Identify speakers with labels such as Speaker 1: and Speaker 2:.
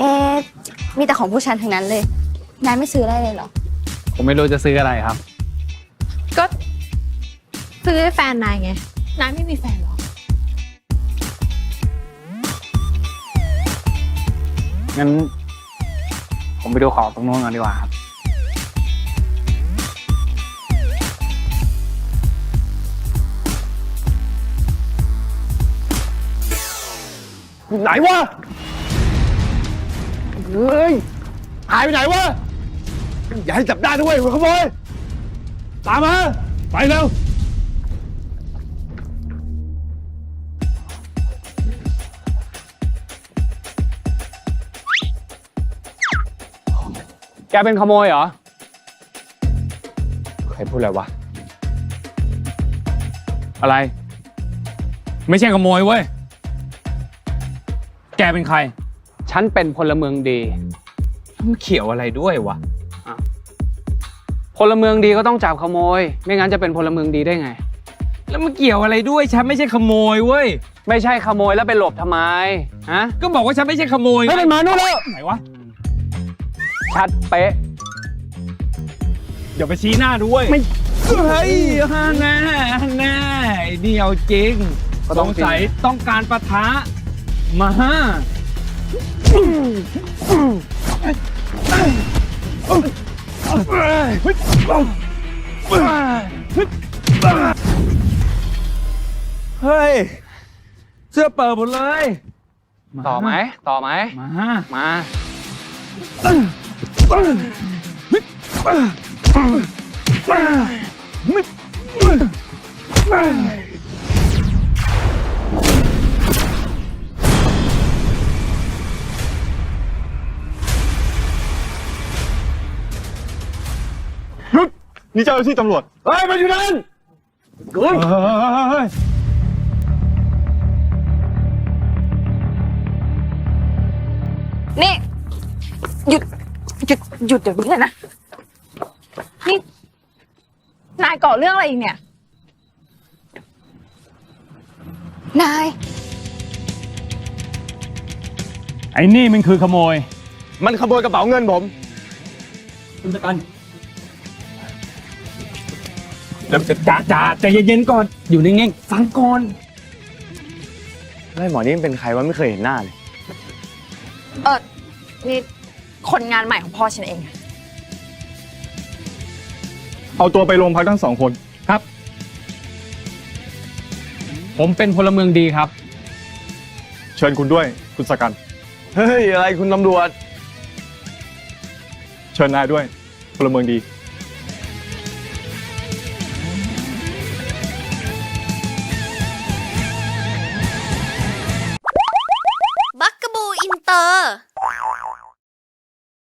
Speaker 1: เอ๊ะมีแต่ของผู้ชันทั้งนั้นเลยนายไม่ซื้ออะไรเลยเหรอ
Speaker 2: ผมไม่รู้จะซื้ออะไรครับ
Speaker 3: ก็ซื้อให้แฟนนายไงนายไม่มีแฟนหรอ
Speaker 2: งั้นผมไปดูของตรงโน้นก่อนดีกว่าครับไหนวะเฮ้ยหายไปไหนวะอย่าให้จับได้ด้วยหัวขโมยตามมาไปเร็วแกเป็นขโมยเหรอใครพูดอะไรวะอะไรไม่ใช่ขโมยเว้ยแกเป็นใครฉันเป็นพลเมืองดีมันเขียวอะไรด้วยวะพลเมืองดีก็ต้องจับขโมยไม่งั้นจะเป็นพลเมืองดีได้ไงแล้วมันเกี่ยวอะไรด้วยฉันไม่ใช่ขโมยเว้ยไม่ใช่ขโมยแล้วไปหลบทำไมฮะก็บอกว่าฉันไม่ใช่ขโมยไม่เป็นมานู่นแล้วไหนวะชัดเป๊ะเดี๋ยวไปชี้หน้าด้วยไม่เฮ้ยฮะแน่แน่เดียวจริงสงสัยต้องการปะทะมาฮะเฮ้ยเสื้อเปิดหมดเลยต่อไหมมา
Speaker 4: นี่เจ้าหน้าที่ตำรวจ
Speaker 2: เฮ้ยมาอยู่นั่น
Speaker 1: นี่หยุดเดี๋ยวนี้เลยนะนี่นายก่อเรื่องอะไรอีกเนี่ยนาย
Speaker 2: ไอ้นี่มันคือขโมย
Speaker 4: มันขโมยกระเป๋าเงินผม
Speaker 2: คุณจัดการเดี๋ยวจ่าใจเย็นๆก่อนอยู่นิ่งๆฟังก่อน
Speaker 4: ไอ้หมอนี่เป็นใครวะไม่เคยเห็นหน้าเลย
Speaker 1: นี่คนงานใหม่ของพ่อฉันเอง
Speaker 4: เอาตัวไปโรงพักทั้ง2 คน
Speaker 2: ครับผมเป็นพลเมืองดีครับ
Speaker 4: เชิญคุณด้วยคุณสกันเฮ้ยอะไรคุณตำรวจเชิญนายด้วยพลเมืองดี